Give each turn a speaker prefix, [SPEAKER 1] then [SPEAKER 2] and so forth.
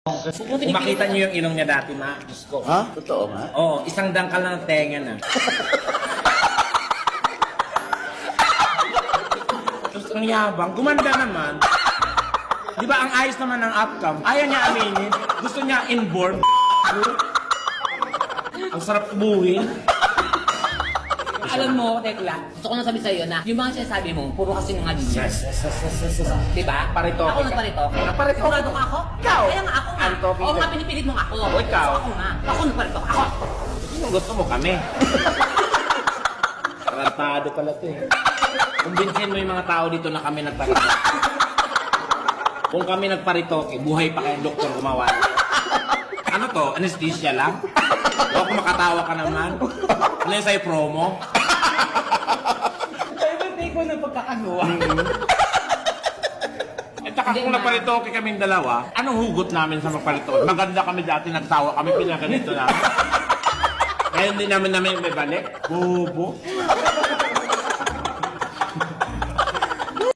[SPEAKER 1] Kung makita niyo yung ilong niya dati, ma, Diyos ko.
[SPEAKER 2] Ha? Totoo nga?
[SPEAKER 1] Oo, isang dangkal lang ng tenga na. Tapos ang yabang, gumanda naman. Di ba ang ayos naman ng outcome? Ayaw niya aminin. Gusto niya inborn. Ang sarap tubuhin.
[SPEAKER 3] Alam mo, Tekla, gusto ko na sabi sa'yo na yung mga sinasabi mo, puro kasi nga din.
[SPEAKER 1] Yes.
[SPEAKER 3] Diba?
[SPEAKER 1] Paritoke
[SPEAKER 3] Ako
[SPEAKER 1] ka.
[SPEAKER 3] nagparitoke.
[SPEAKER 1] Nagparitoke.
[SPEAKER 3] Sigurado ka ako?
[SPEAKER 1] Ikaw.
[SPEAKER 3] Kaya nga ako nga.
[SPEAKER 1] Paritoke
[SPEAKER 3] Oo
[SPEAKER 1] ka.
[SPEAKER 3] nga, pinipilit mo nga ako.
[SPEAKER 1] O, ikaw.
[SPEAKER 3] So, ako nga. Ako nagparitoke. Ako.
[SPEAKER 1] Sino gusto mo kami? Tarantado pala to eh. Kumbinsin mo yung mga tao dito na kami nagparitoke. Kung kami nagparitoke, buhay pa kayong doktor gumawa. Ano to? Anesthesia lang? O kung makatawa ka naman? Ano yung sa'yo promo?
[SPEAKER 3] Ay, ba't di ko na pagkakagawa?
[SPEAKER 1] At saka kung nagparitoke kaming dalawa, anong hugot namin sa magparitoke? Maganda kami dati, nagtawa kami, pinaganito namin. Kaya hindi namin may balik. Bobo.